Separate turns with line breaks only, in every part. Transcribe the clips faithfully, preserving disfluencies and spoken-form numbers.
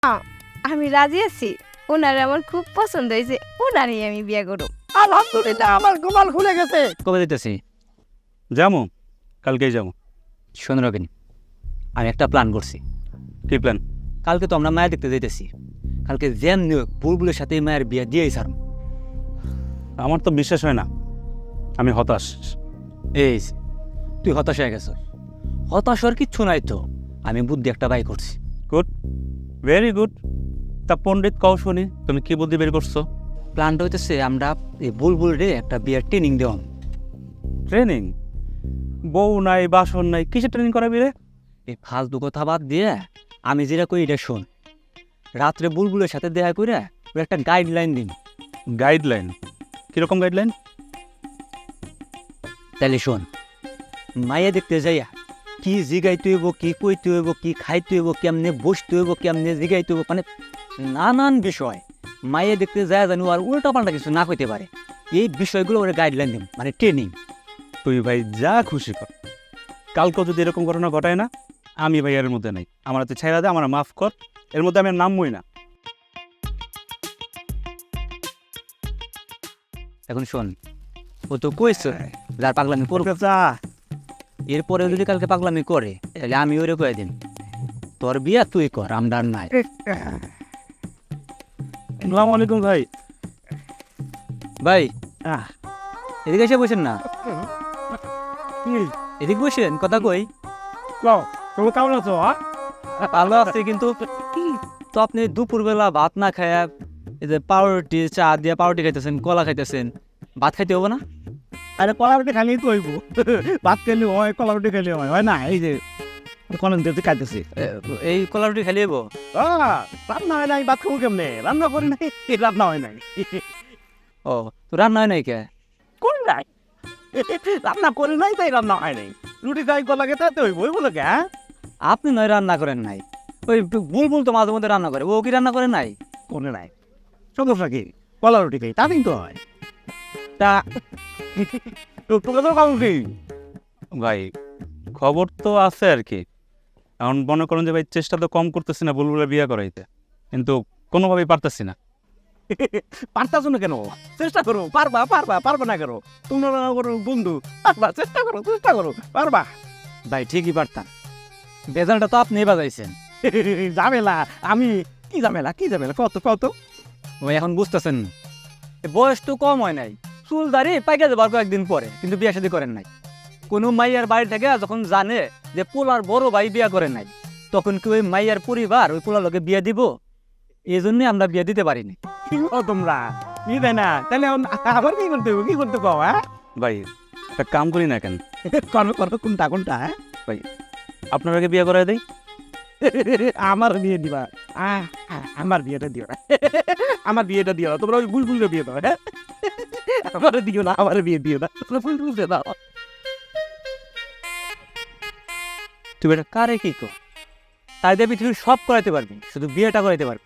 আমি রাজি আছি, ওনার আমার খুব পছন্দ হয়েছে, ওনারই আমি বিয়ে করব।
আলহামদুলিল্লাহ, আমার গোপাল খুলে গেছে।
কবে দিতেছি?
যাবো, কালকেই যাবো।
শোন রবিন, আমি একটা প্ল্যান করছি।
কি প্ল্যান?
কালকে তো আমরা মায়া দেখতে যাইতেছি। কালকে যেমনি হোক বুলবুলের সাথে মায়ের বিয়ে দিয়েই ছাড়ব।
আমার তো বিশ্বাস হয় না, আমি হতাশ।
এই যে, তুই হতাশ হয়ে গেছ। হতাশ হওয়ার কিচ্ছু নাই তো, আমি বুদ্ধি একটা বাই করছি।
Good, very good. তা পণ্ডিত কও শুনি, তুমি কি বুদ্ধি বের করছো?
প্ল্যানটা হইতেছে আমরা এই বুলবুল রে একটা বিয়ের ট্রেনিং দেওয়াম।
ট্রেনিং? বউ নাই, বাসন নাই, কিসের ট্রেনিং করাবি রে?
এই ফালতু কথা বাদ দিয়ে আমি যেটা করি এটা শোন। রাত্রে বুলবুলের সাথে দেখা করে ওর একটা গাইডলাইন দিন।
গাইডলাইন? কিরকম গাইডলাইন?
তাহলে শোন, মাইয়া দেখতে যাইয়া কি জিগাইতে হইব, কি কইতে হইব, কি খাইতে হইব, কেমনে বসতে হইব, কেমনে জিগাইতে হইব, মানে নানান বিষয় মাইয়া দেখতে যায় জানো আর উল্টা পাল্টা কিছু না কইতে পারে, এই বিষয়গুলো ওরা গাইডলাইন দিন, মানে ট্রেনিং।
তুই ভাই যা খুশি কর। কালকেও যদি এরকম ঘটনা ঘটায় না, আমি ভাই এর মধ্যে নাই। আমার হাতে ছেড়া দে, আমার মাফ কর, এর মধ্যে আমি আর নামবই না।
এখন শোন, ও তো কইছে যার পাগলামি করবে, এরপরে যদি কালকে পাগলামি করে তাহলে আমি ওরে কয়ে দিন তোর বিয়া তুই কর, আমরা আর নাই।
আসসালামু আলাইকুম ভাই।
ভাই এদিকে এসে বসেন না, এদিকে বসেন, কথা কই।
তুমি কেমন আছো?
ভালো আছে, কিন্তু তো আপনি দুপুরবেলা ভাত না খায়া এই যে পাউরুটি চা দিয়ে পাউরুটি খাইতেছেন, কলা খাইতেছেন, ভাত খাইতে হবে না?
আরে কলা রুটি খাইলেই তো হইব। ভাত খেলে হয়, কলা রুটি খেলে হয়, হয় না? এই যে কলম দিয়ে খাইতেছি।
এ- এই কলা রুটি খাইলে হবো?
রান্না হয় নাই, ভাত খাবো কেমনে? রান্না করি নাই, রান্না হয় নাই।
ও, তো রান্না হয় নাই কে?
করি নাই, রান্না করি নাই, তাই রান্না হয় নাই। রুটি খাই, কলা খেতে তো হইব, হইব লোকে। হ্যাঁ,
আপনি নয় রান্না করেন নাই, ওই বুলবুল তো মাঝে মধ্যে রান্না করে, ও কি রান্না করে নাই?
করে নাই, সমস্যা কি? কলা রুটি খাই, তাতেই তো হয়। তা তোকে তো খাবো কি?
ভাই খবর তো আছে আর কি। এখন মনে করেন যে ভাই চেষ্টা তো কম করতেছি না বুলবুলের বিয়ে করাইতে, কিন্তু কোনোভাবেই পারতেছি না।
পারতাছো না কেন? চেষ্টা করো, পারবা পারবা পারবা না করো, তোমরা করো বন্ধু, পারবা, চেষ্টা করো, চেষ্টা করো, পারবা।
ভাই ঠিকই পারতাম, বেজালটা তো আপনি বাজাইছেন।
ঝামেলা? আমি কি ঝামেলা, কি ঝামেলা? কত কত
ওই এখন বুঝতেছেন, বয়স তো কম হয় নাই, চুল দাঁড়িয়ে পাইকা যাবার কয়েকদিন পরে, কিন্তু বিয়ে শাদী করেন নাই। কোনো মাইয়ার বাড়ি থেকে যখন জানে যে পোলার বড় ভাই বিয়ে করেন নাই, তখন কি ওই মাইয়ার পরিবার ওই পোলার লোকে বিয়ে দিব? এই জন্যই আমরা বিয়ে দিতে পারিনি।
কি করো তোমরা? কি দেয় না? তাহলে এখন আবার কি করতে হবে? কি করতে পাও? হ্যাঁ,
ভাই একটা কাম করি না কেন,
করো করো, কোনটা কোনটা? হ্যাঁ,
ভাই আপনার আগে বিয়ে করাই দেই।
আমার বিয়ে দিবা? আহ, আহ, আমার বিয়েটা দিও না, আমার বিয়েটা দিও না, তোমরা ওই বুলবুলের বিয়ে দাও। হ্যাঁ, আমার দিও না, আমার বিয়ে দিও না, তোমরা বুলবুলকে দাও।
তুই এটা কারে কি কর, তাই দিয়ে পৃথিবীর সব করাইতে পারবি, শুধু বিয়েটা করাইতে পারবি।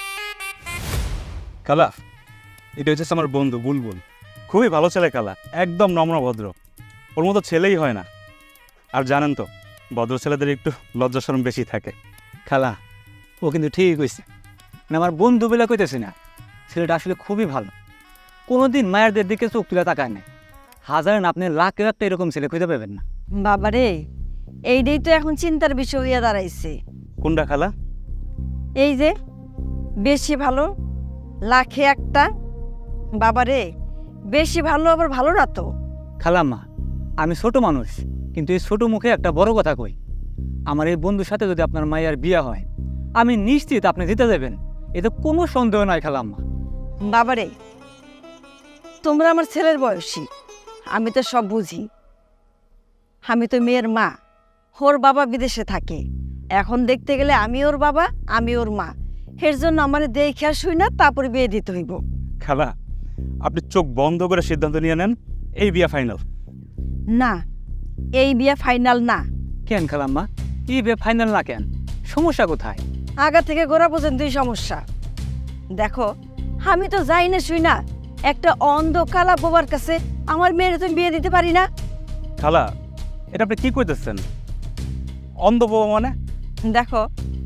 খালা, এটা হচ্ছে আমার বন্ধু বুলবুল, খুবই ভালো ছেলে খালা, একদম নম্র ভদ্র, ওর মতো ছেলেই হয় না। আর জানেন তো ভদ্র ছেলেদের একটু লজ্জা শরম বেশি থাকে।
খালা, ও কিন্তু ঠিকই কইছে, মানে আমার বন্ধু বেলা কইতেছি না, ছেলেটা আসলে খুবই ভালো, কোনোদিন মায়েরদের দিকে চোখ তুলে তাকায় না। হাজার না, আপনি লাখেও একটা এরকম ছেলে খুঁজে পাবেন না।
বাবারে, এইটাই তো এখন চিন্তার বিষয় হইয়া দাঁড়াইছে।
কোনটা খালা?
এই যে বেশি ভালো, লাখে একটা। বাবারে, বেশি ভালো আবার ভালো না তো।
খালাম্মা, আমি ছোট মানুষ, কিন্তু এই ছোট মুখে একটা বড় কথা কই, আমার এই বন্ধুর সাথে যদি আপনার মায়ের বিয়ে হয়, আমি নিশ্চিত আপনি জিতে যাবেন, এতে কোনো সন্দেহ নাই খালাম্মা।
বাবারে, তোমরা আমার ছেলের বয়সী, আমি তো সব বুঝি। আমি তো মেয়ের মা, ওর বাবা বিদেশে থাকে, এখন দেখতে গেলে আমি ওর বাবা, আমি ওর মা, এর জন্য আমার দেখে শুই না, তারপরে বিয়ে দিতে হইব।
খালা, আপনি চোখ বন্ধ করে সিদ্ধান্ত নিয়ে নেন, এই বিয়ে ফাইনাল।
না, এই বিয়ে ফাইনাল না।
কেন খালাম্মা, এই বিয়ে ফাইনাল না কেন? সমস্যা কোথায়?
আগা থেকে গোড়া পর্যন্তই সমস্যা। দেখো, আমি তো যাই না শুই না, একটা অন্ধ কালা বোবার কাছে আমার মেয়ের তুমি বিয়ে দিতে পারি না।
খালা, এটা আপনি কি কইতেছেন? অন্ধ বাবা মানে?
দেখো,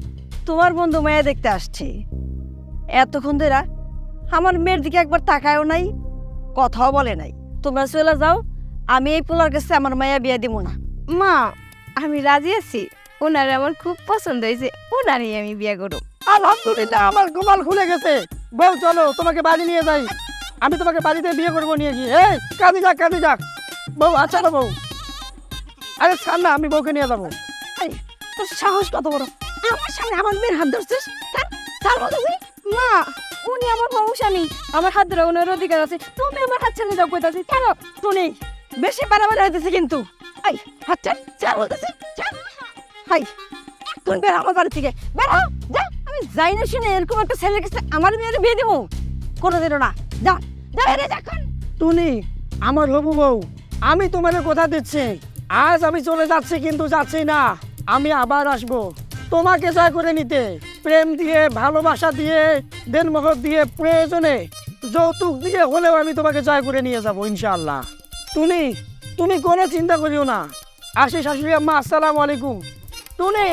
তোমার বন্ধু মায়া দেখতে আসছে। এতক্ষণ ধরে আমার মেয়ের দিকে একবার তাকায়ও নাই, কথাও বলে নাই। তোমরা চলে যাও, আমি এই পোলার কাছে আমার মায়া বিয়া দিব না।
মা আমি রাজি আছি, ওনার আমার খুব পছন্দ হয়েছে, ওনারই আমি বিয়ে করব।
আলহামদুলিল্লাহ, আমার গোপাল খুলে গেছে। বউ চলো তোমাকে বাড়ি নিয়ে যাই, আমি তোমাকে বাড়িতে বিয়ে করবো নিয়ে গিয়ে। এই কাঁদি যাক কাঁদি যাক বউ। আচ্ছা না বউ, আরে ছাড় না, আমি বউকে নিয়ে যাবো।
এই, তোর সাহস কত বড়, আমার সামনে আমার মেয়ের হাত ধরছিস? ছাড়, ছাড় বলতেছি।
মা উনি আমার সমস্যা নেই, আমার হাত ধরে ওনার অধিকার আছে, তুমি আমার হাত ছেড়ে যাও কইতাছি। কেন
শুনি বেশি বাড়াবাড়ি হইতেছে কিন্তু। এই হাত ছাড়, ছাড় বলতেছি, ছাড়। হাই, তুমি বের হও আমার বাড়ি থেকে, বের হও, যা। আমি যাই না শুনে এরকম একটা ছেলের কাছে আমার মেয়ের বিয়ে দেবো কোনোদিনও না। যা, যা বেরে যখন।
টুনি আমার হবু বউ, আমি তোমার কথা দিচ্ছি, আজ আমি চলে যাচ্ছি কিন্তু যাচ্ছি না, আমি আবার আসবো তোমাকে জয় করে নিতে। প্রেম দিয়ে, ভালোবাসা দিয়ে, দেনমোহর দিয়ে, প্রয়োজনে যৌতুক দিয়ে হলেও আমি তোমাকে জয় করে নিয়ে যাবো ইনশাআল্লাহ। টুনি তুমি কোনো চিন্তা করিও না। আসি শাশুড়ি আম্মা, আসসালামু আলাইকুম। টুনি।